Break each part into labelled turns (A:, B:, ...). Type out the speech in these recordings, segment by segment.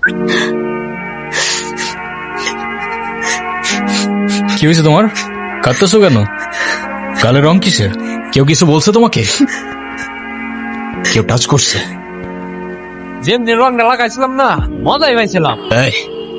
A: কি হয়েছে তোমার? কাঁদতেছো কেন? গালের রং কিসের? কেউ কিছু বলছে তোমাকে? কেউ টাচ করছে?
B: যেমনি রংটা লাগাইছিলাম না, মজাই পাইছিলাম।
A: এই,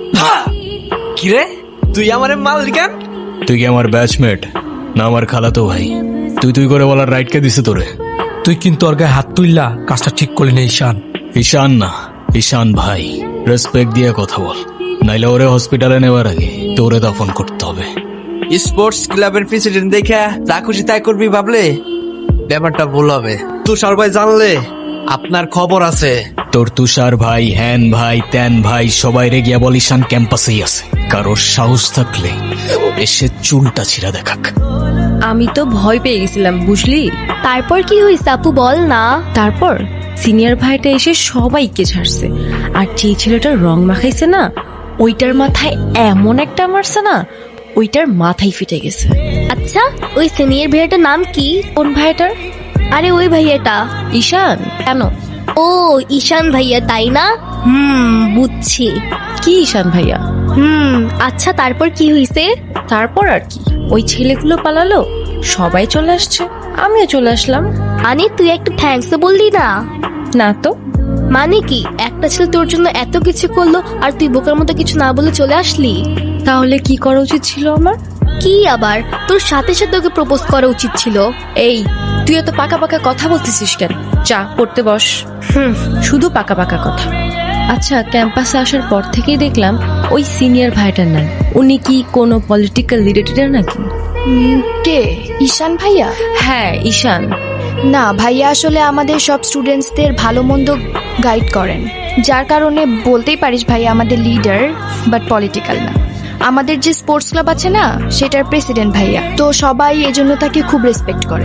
B: কিরে, তুই আমার মালিক কেন?
A: তুই কি আমার ব্যাচমেট না আমার খালাতো ভাই? তুই করে বলার রাইট কে দিছে তোরে?
C: তুই কিন্তু ওর গায়ে হাত তুললা, কাজটা ঠিক করলি না ঈশান।
A: ঈশান না, ঈশান ভাই। রেসপেক্ট দিয়ে কথা বল, নাইলে ওরে হসপিটালে নেওয়ার আগে তোরে দাফন করতে হবে।
B: স্পোর্টস ক্লাবের প্রেসিডেন্ট দেখে যা খুশি তাই করবি ভাবলে ব্যাপারটা ভুল হবে। তুষার ভাই জানলে আপনার খবর আছে।
A: তোর তুষার ভাই, হ্যান ভাই, ত্যান ভাই সবাই রে গিয়া বল ঈশান ক্যাম্পাসেই আছে। কারোর সাহস থাকলে এসে চুলটা ছিঁড়া দেখাক।
D: আমি তো ভয় পেয়ে গেছিলাম, বুঝলি?
E: তারপর কি হয়েছে আপু, বল না।
D: তারপর সিনিয়র ভাইটা এসে সবাইকে ছাড়ছে, আর যে ছেলেটার রং মাখাইছে না, ওইটার মাথায় এমন একটা মারছে না, ওইটার মাথায় ফিটে গেছে।
E: আচ্ছা, ওই সিনিয়র ভাইয়াটার নাম কি?
D: কোন ভাইটার?
E: আরে ওই ভাইয়াটা।
D: ঈশান। কেন?
E: ও ঈশান ভাইয়া, তাই না? বুঝছি।
D: কি ঈশান ভাইয়া?
E: আচ্ছা, তারপর কি হয়েছে?
D: তারপর আর কি, ওই ছেলেগুলো পালালো, সবাই চলে আসছে, আমিও চলে আসলাম।
E: আরে তুই একটা থ্যাঙ্কস বললি না?
D: না তো।
E: মানে কি, একটা ছেলে তোর জন্য এত কিছু করলো আর তুই বোকার মতো কিছু না বলে চলে আসলি?
D: তাহলে কি করা উচিত ছিল আমার?
E: কি আবার, তোর সাথে সাথে ওকে প্রপোজ করা উচিত ছিল।
D: এই, তুই এত পাকা পাকা কথা বলতেছিস কেন? চা পড়তে বস। শুধু পাকা পাকা কথা। আচ্ছা, ক্যাম্পাসে আসার পর থেকেই দেখলাম ওই সিনিয়র ভাইটার নাম। উনি কি কোনো পলিটিক্যাল রিলেটেড নাকি?
F: কে? ঈশান ভাইয়া?
D: হ্যাঁ, ঈশান।
F: না ভাইয়া, আসলে আমাদের সব স্টুডেন্টসদের ভালো মন্দ গাইড করেন, যার কারণে বলতেই পারিস ভাইয়া আমাদের লিডার, বাট পলিটিক্যাল না। আমাদের যে স্পোর্টস ক্লাব আছে না, সেটার প্রেসিডেন্ট ভাইয়া, তো সবাই এজন্য তাকে খুব রেসপেক্ট করে।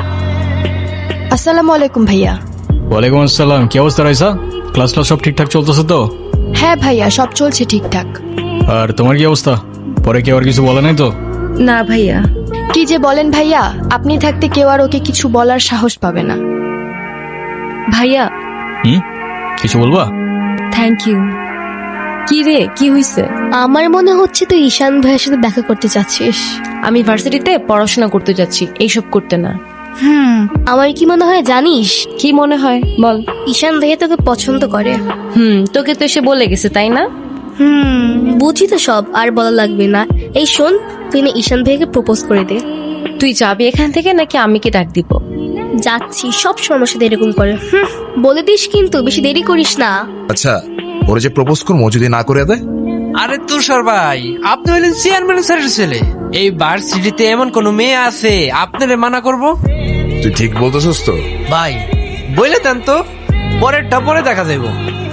F: আসসালামু আলাইকুম ভাইয়া।
A: ওয়ালাইকুম আসসালাম। কি অবস্থা রাইসা? ক্লাস সব ঠিকঠাক চলতেছে তো?
F: হ্যাঁ ভাইয়া, সব চলছে ঠিকঠাক।
A: আর তোমার কি অবস্থা? পরে কেউ আর কিছু বলে নাই তো?
D: না ভাইয়া।
F: কি যে বলেন ভাইয়া, আপনি থাকতে কেউ আর ওকে কিছু বলার সাহস পাবে না।
D: ভাইয়া।
A: কিছু বলবা?
D: Thank you. কি রে, কি হইছে?
E: আমার মনে হচ্ছে তুই ঈশান ভাইয়ের সাথে দেখা করতে চাচ্ছিস।
D: আমি ভার্সিটিতে পড়াশোনা করতে যাচ্ছি, এইসব করতে না।
E: আমার কি মনে হয় জানিস?
D: কি মনে হয় বল।
E: ঈশান ভাইয়া তোকে পছন্দ করে।
D: তোকে তো এসে বলে গেছে, তাই না?
E: বুঝি তো সব, আর বলা লাগবে না। এই শোন, তুই না ঈশান ভাইয়াকে প্রপোজ করে দে।
D: তুই যাবি এখান থেকে নাকি আমি কি ডাক দিব?
E: যাচ্ছি, সব সমস্যা এরকম করে। বলে দিস কিন্তু, বেশি দেরি করিস না।
G: আচ্ছা, ওরা যে প্রপোজ করবো যদি না করে দেয়?
B: আরে তুষার ভাই, আপনি হলেন চেয়ারম্যান স্যারের ছেলে। এই ভার্সিটিতে এমন কোন মেয়ে আছে আপনারে মানা করব?
G: তুই ঠিক বলতেছিস তো?
B: ভাই বলে দেন তো, পরেরটা পরে দেখা যাইব।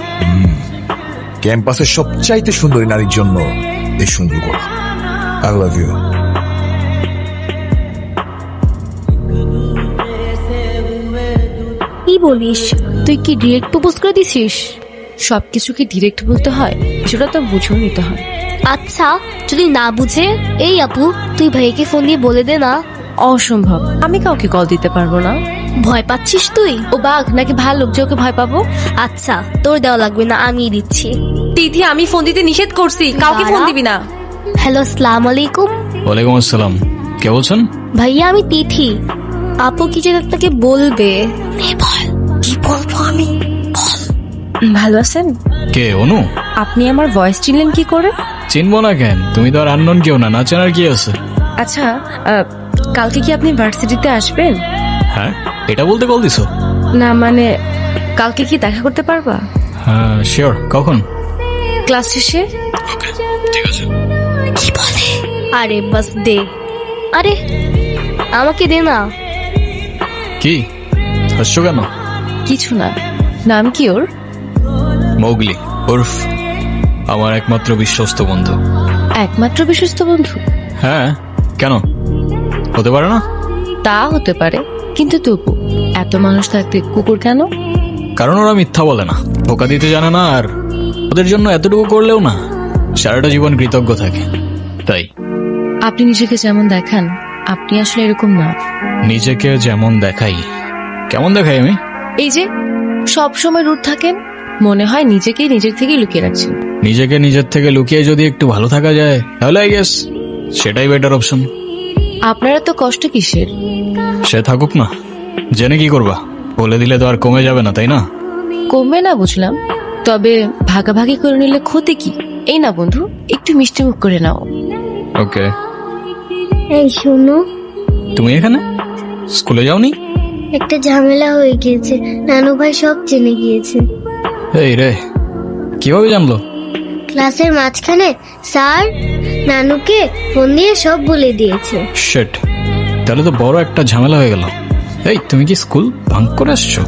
G: ক্যাম্পাসের সবচাইতে সুন্দরী নারীর জন্য এই সুন্দর করা। I love you.
E: কি বলিস? তুই কি ডিরেক্ট প্রপোজ করে দিছিস?
D: সবকিছু কি ডিরেক্ট বলতে হয়? কিছুটা তো বুঝেও নিতে হয়।
E: আচ্ছা, যদি না বুঝে, এই আপু তুই ভাইকে ফোন দিয়ে বলে দে না।
D: অসম্ভব, আমি কাউকে কল দিতে পারবো না।
E: ভয় পাচ্ছিস তুই?
D: ও বাঘ নাকি ভালুক যে ওকে ভয় পাবো?
E: আচ্ছা, তোর দেওয়া লাগবে না, আমি দিচ্ছি।
D: তিথি, আমি ফোন দিতে নিষেধ করছি, কাউকে ফোন দিবি না।
E: হ্যালো, আসসালামু আলাইকুম।
A: ওয়ালাইকুম আসসালাম। কে বলছেন?
E: ভাইয়া, আমি তিথি। আপু কি যেন আপনাকে বলবে। বল, কি বলবো আমি? বল।
D: ভালো আছেন?
A: কে? অনু?
D: আপনি আমার ভয়েস চিনলেন কি করে?
A: চিনবো না কেন? তুমি তো আর আননোন কেউ না, না চেনার কি আছে?
D: আচ্ছা, কালকে কি আপনি ভার্সিটিতে আসবেন?
A: হ্যাঁ, এটা বলতে কল দিছো?
D: না মানে, কালকে কি দেখা করতে পারবা?
A: হ্যাঁ শিওর। কখন?
D: ক্লাস শেষে।
A: ওকে, ঠিক আছে।
E: কি বলে? আরে বাস দে। আরে আমাকে দে না।
A: কি হাসছো কেন?
D: কিছু না। নাম কি ওর?
A: মৌগলি, উর্ফ আমার একমাত্র বিশ্বস্ত বন্ধু।
D: একমাত্র বিশ্বস্ত বন্ধু?
A: হ্যাঁ, কেন হতে পারে না?
D: তা হতে পারে, কিন্তু তবু এত মানুষ থাকতে কুকুর কেন?
A: কারণ ওরা মিথ্যা বলে না, ধোকা দিতে জানে না, আর ওদের জন্য এতটুকু করলেও না সারাটা জীবন কৃতজ্ঞ থাকে, তাই।
D: আপনি নিজেকে যেমন দেখান, আপনি আসলে এরকম না।
A: নিজেকে যেমন দেখাই? কেমন দেখাই আমি?
D: এই যে সব সময় রুট থাকেন, মনে হয় নিজেকেই নিজের থেকে লুকিয়ে রাখছেন।
A: নিজেকে নিজের থেকে লুকিয়ে যদি একটু ভালো থাকা যায় তাহলে আই গেস সেটাই বেটার অপশন।
D: আপনারা তো কষ্ট কিসের?
A: সে থাকুক না, জেনে কি করবা? বলে দিলে তো আর কমে যাবে না, তাই না?
D: কমবে না বুঝলাম, তবে ভাগাভাগি করে নিলে ক্ষতি কি? এই না বন্ধু, একটু মিষ্টি মুখ করে নাও।
A: ওকে।
E: এই শোনো,
A: তুমি এখানে স্কুলে যাওনি?
E: একটা ঝামেলা হয়ে গিয়েছে, নানু ভাই সব জেনে গিয়েছে।
A: এই রে, কিভাবে জানলো?
E: ক্লাসের মাঝখানে স্যার নানুকে ফোন দিয়ে সব বলে দিয়েছে।
A: শিট, তাহলে তো বড় একটা ঝামেলা হয়ে গেল। এই তুমি কি স্কুল ভাঙ করে আসছো?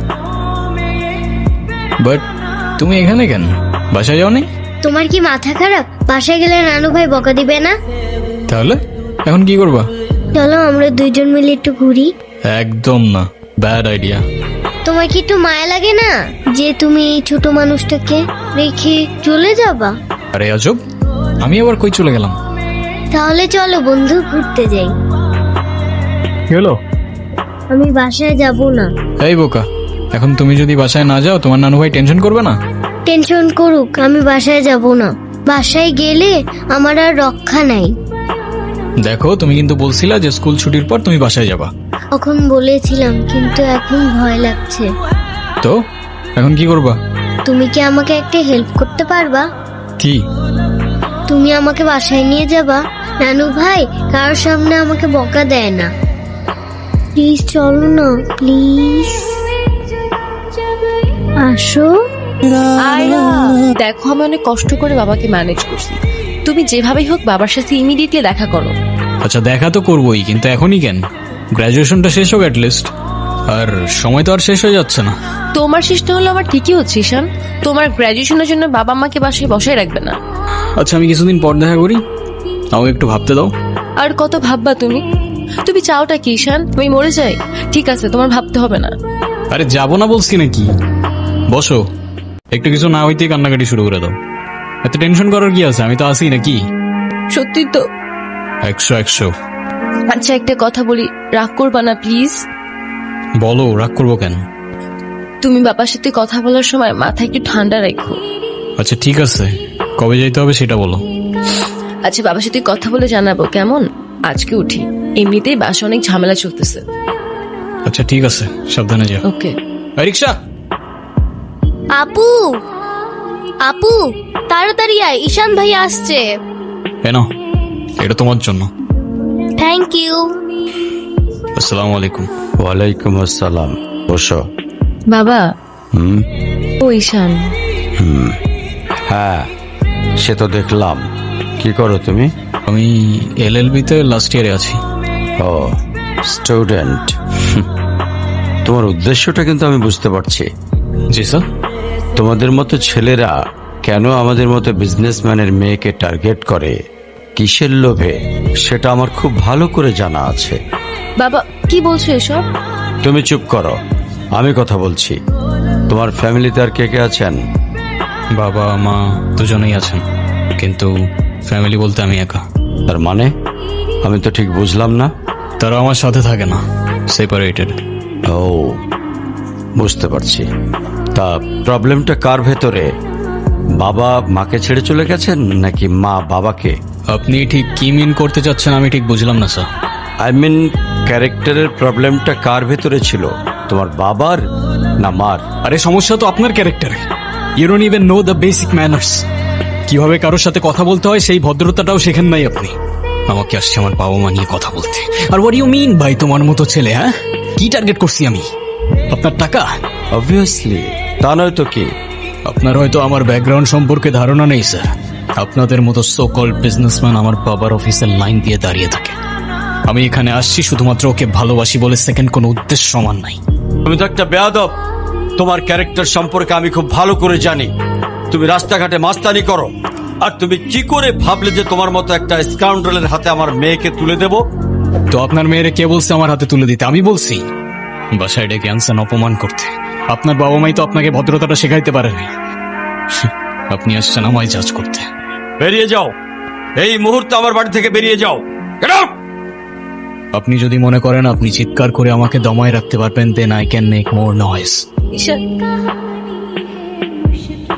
A: বাট তুমি এখানে কেন? বাসায় যাওনি?
E: তোমার কি মাথা খারাপ? বাসায় গেলে নানু ভাই বকা দিবে না?
A: তাহলে এখন কি করবা?
E: চলো আমরা দুইজন মিলে একটু ঘুরি।
A: একদম না, ব্যাড আইডিয়া।
E: তোমার কি একটু মায়া লাগে না যে তুমি এই ছোট মানুষটাকে রেখে চলে যাবা?
A: আরে আজব, আমি আবার কই চলে গেলাম?
E: তাহলে চলো বন্ধু ঘুরতে যাই।
A: কি হলো?
E: আমি বাসায় যাব না।
A: এই বোকা, এখন তুমি যদি বাসায় না যাও তোমার নানু ভাই টেনশন করবে না?
E: টেনশন করুক, আমি বাসায় যাব না। বাসায় গেলে আমার আর রক্ষা নাই।
A: দেখো, তুমি কিন্তু বলছিলা যে স্কুল ছুটির পর তুমি বাসায় যাবা।
E: তখন বলেছিলাম, কিন্তু এখন ভয় লাগছে।
A: তো এখন কি করবা?
E: তুমি কি আমাকে একটা হেল্প করতে পারবা?
A: কি?
E: তুমি আমাকে বাসায় নিয়ে যাবা? নানু ভাই কারোর সামনে আমাকে বকা দেয় না। প্লিজ চলো না, প্লিজ আসো।
D: আয়রা, দেখো আমি অনেক কষ্ট করে বাবাকে ম্যানেজ করছি, তুমি যেভাবেই হোক বাবার সাথে ইমিডিয়েটলি দেখা করো।
A: আচ্ছা দেখা তো করবোই, কিন্তু এখনই কেন? গ্রাজুয়েশনটা শেষ হোক অ্যাটলিস্ট। আর সময় তো আর শেষ হয়ে যাচ্ছে না।
D: তোমার চেষ্টা হলো আমার ঠিকই হচ্ছে ঈশান, তোমার গ্র্যাজুয়েশনের জন্য বাবা মাকে বাসায় বসায় রাখবে না।
A: আচ্ছা আমি কিছুদিন পর দেখা করি, আমাকে একটু ভাবতে দাও।
D: আর কত ভাববা তুমি? তুমি চাওটা কি ঈশান? আমি মরে যাই? ঠিক আছে, তোমার ভাবতে হবে না।
A: আরে যাবো না বলছি নাকি? বসো, একটু কিছু না হইতেই কান্নাকাটি শুরু করে দাও। এত টেনশন করার কি আছে? আমি তো আসি নাকি?
D: সত্যি তো?
A: 100।
D: আচ্ছা একটা কথা বলি, রাগ করবা না প্লিজ?
A: বলো, রাগ করবো কেন?
D: তুমি বাবার সাথে কথা বলার সময় মাথা একটু ঠান্ডা রাখো।
A: আচ্ছা ঠিক আছে, কবে যাইতে হবে সেটা বলো।
D: আচ্ছা বাবার সাথে কথা বলে জানাবো কেমন? আজকে উঠি, এমনিতেই বাসা অনেক ঝামেলা চলতেছে।
A: আচ্ছা ঠিক আছে, সাবধানে যাও।
D: ওকে।
A: রিক্সা।
E: আপু, আপু তাড়াতাড়ি আয়, ঈশান ভাই আসছে।
A: নাও, এটা তোমার জন্য।
E: Thank you.
A: আসসালামু আলাইকুম।
H: ওয়ালাইকুম আসসালাম। বসো।
D: বাবা।
H: হুম।
D: ও ঈশান।
H: হ্যাঁ, সে তো দেখলাম। কি করো তুমি?
A: আমি LLB তে লাস্ট ইয়ারে আছি।
H: ও, স্টুডেন্ট। তোমার উদ্দেশ্যটা কিন্তু আমি বুঝতে পারছি।
A: জি স্যার।
H: তোমাদের মতো ছেলেরা কেন আমাদের মতো বিজনেসম্যানের মেয়েকে টার্গেট করে, কিসের লোভে, সেটা আমার খুব ভালো করে জানা আছে।
D: বাবা কি বলছো এসব?
H: তুমি চুপ করো, আমি কথা বলছি। তোমার ফ্যামিলিতে আর কে কে আছেন?
A: বাবা মা দুজনেই আছেন, কিন্তু ফ্যামিলি বলতে আমি একা।
H: তার মানে আমি তো ঠিক বুঝলাম না।
A: তারা আমার সাথে থাকে না, সেপারেটেড।
H: ও, বুঝতে পারছি। তা প্রবলেমটা কার ভেতরে? বাবা মাকে ছেড়ে চলে গেছেন নাকি মা বাবাকে?
A: আপনি ঠিক কি মিন করতে চাচ্ছেন আমি ঠিক বুঝলাম না স্যার।
H: আই মিন ক্যারেক্টারের প্রবলেমটা কার ভেতরে ছিল, তোমার বাবার না মার?
A: আরে সমস্যা তো আপনার ক্যারেক্টারে। You don't even know the basic manners. কিভাবে কারোর সাথে কথা বলতে হয় সেই ভদ্রতাটাও শেখেন নাই আপনি। আমাকে আসছে আমার বাবা মা নিয়ে কথা বলতে। আর হোয়াট ইউ মিন ভাই তোমার মতো ছেলে? হ্যাঁ, কি টার্গেট করছি আমি? আপনার টাকা?
H: অবভিয়াসলি, তা নয় তো কি?
A: আপনার হয়তো আমার ব্যাকগ্রাউন্ড সম্পর্কে ধারণা নেই স্যার। আপনাদের মতো সো কল্ড বিজনেসম্যান আমার বাবার অফিসের লাইন দিয়ে দাঁড়িয়ে থাকে। আমি এখানে আসছি শুধুমাত্র ওকে ভালোবাসি বলে, সেকেন্ড কোনো উদ্দেশ্য সমান নাই।
H: তুমি তো একটা বেয়াদব। তোমার ক্যারেক্টার সম্পর্কে আমি খুব ভালো করে জানি। তুমি রাস্তাঘাটে মাস্তানি করো, আর তুমি কি করে ভাবলে যে তোমার মতো একটা স্কাউন্ডারের হাতে আমার মেয়েকে তুলে দেব?
A: তো আপনার মেয়েরে কে বলছে আমার হাতে তুলে দিতে? আমি বলছি। বাসায় ডেকে আনছেন অপমান করতে। আপনার বাবা মাই তো আপনাকে ভদ্রতাটা শেখাইতে পারেনি। আপনি আসছেন আমায় জাজ করতে।
H: বেরিয়ে যাও, এই মুহূর্তে আমার বাড়ি থেকে বেরিয়ে যাও। Get out!
A: আপনি যদি মনে করেন আপনি চিৎকার করে আমাকে দমায় রাখতে পারবেন, then I can make more noise.
D: Ishaan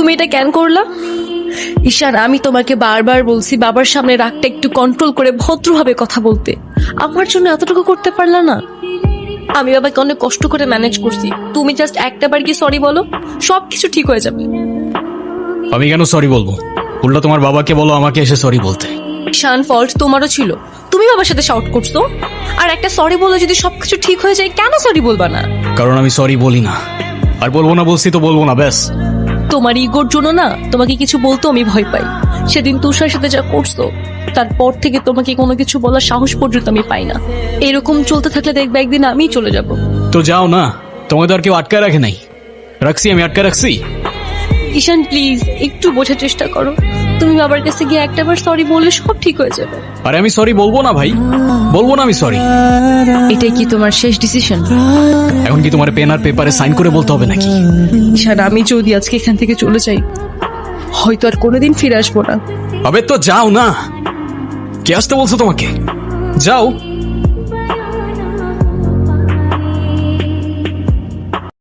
D: তুমি এটা কেন করলা? ঈশান, আমি তোমাকে বারবার বলছি বাবার সামনে রাগটা একটু কন্ট্রোল করে ভদ্রভাবে কথা বলতে। আমার জন্য এতটুকু করতে পারলা না? আমি বাবাকে অনেক কষ্ট করে ম্যানেজ করছি। তুমি জাস্ট একটাবার কি সরি বলো, সবকিছু ঠিক হয়ে যাবে।
A: আমি কেন সরি বলবো? উল্টা তোমার বাবাকে বলো আমাকে এসে সরি বলতে।
D: ঈশান, ফল্ট তোমারও ছিল, তুমি বাবার সাথে শাউট করছো। আর একটা সরি বলে যদি সবকিছু ঠিক হয়ে যায়, কেন সরি বলবা না?
A: কারণ আমি সরি বলি না, আর বলবো না, বলছি তো বলবো না, ব্যাস।
D: তোমার ইগোর জন্য না তোমাকে কিছু বলতে আমি ভয় পাই। সেদিন তুষার সাথে যা করছো, তারপর থেকে তোমাকে কোনো কিছু বলার সাহস পর্যন্ত আমি পাই না। এরকম চলতে থাকলে দেখবে একদিন আমিই চলে যাব।
A: তো যাও না, তোমাদের আর কেউ আটকায় রাখে নাই। রাখছি, আমি আটকা রাখছি।
D: ঈশান প্লিজ একটু বোঝার চেষ্টা করো। তুমি বাবার কাছে গিয়ে একটাবার সরি বললে সব ঠিক হয়ে যাবে।
A: আরে আমি সরি বলবো না ভাই, বলবো না আমি সরি।
D: এটাই কি তোমার শেষ ডিসিশন?
A: এখন কি তোমার পেন আর পেপারে সাইন করে বলতে হবে নাকি?
D: ঈশান, আমি যদি আজকে এখান থেকে চলে যাই, হয়তো আর কোনোদিন ফিরে আসবো না।
A: আবে তো যাও না, কে আসতে বলছো তোমাকে? যাও।